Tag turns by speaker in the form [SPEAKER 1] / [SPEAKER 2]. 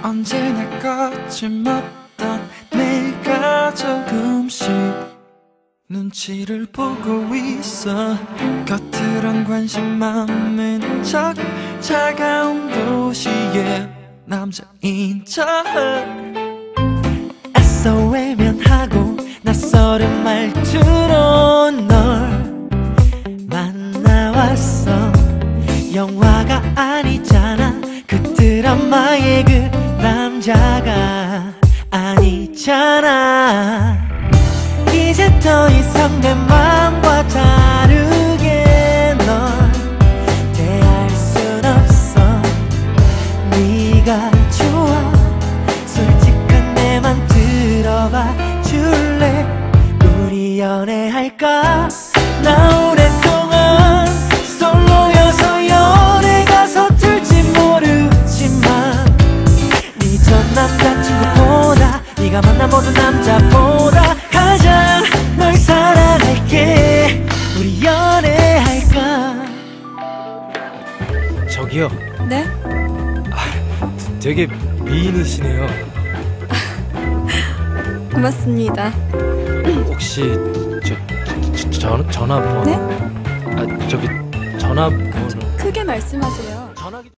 [SPEAKER 1] 언제나 거침없던 내가 조금씩 눈치를 보고 있어. 겉으론 관심 많은 척 차가운 도시의 남자인 척 애써 외면하고 낯설은 말투로 널 만나왔어. 영화가 아니잖아. 그 드라마의 그 남자가 아니잖아. 이제 더 이상 내 맘과 다르게 널 대할 순 없어. 네가 좋아. 솔직한 내 맘 들어봐 줄래? 우리 연애할까? 나 오랫동안 솔로여서 연애가 서툴지 모르지만 네 전 남자친구보다 네가 만난 모든 남자보다 가장 널 사랑할게. 우리 연애할까?
[SPEAKER 2] 저기요.
[SPEAKER 3] 네?
[SPEAKER 2] 되게 미인이시네요.
[SPEAKER 3] 고맙습니다.
[SPEAKER 2] 혹시 전화번호?
[SPEAKER 3] 네?
[SPEAKER 2] 저기 전화번호.
[SPEAKER 3] 크게 말씀하세요.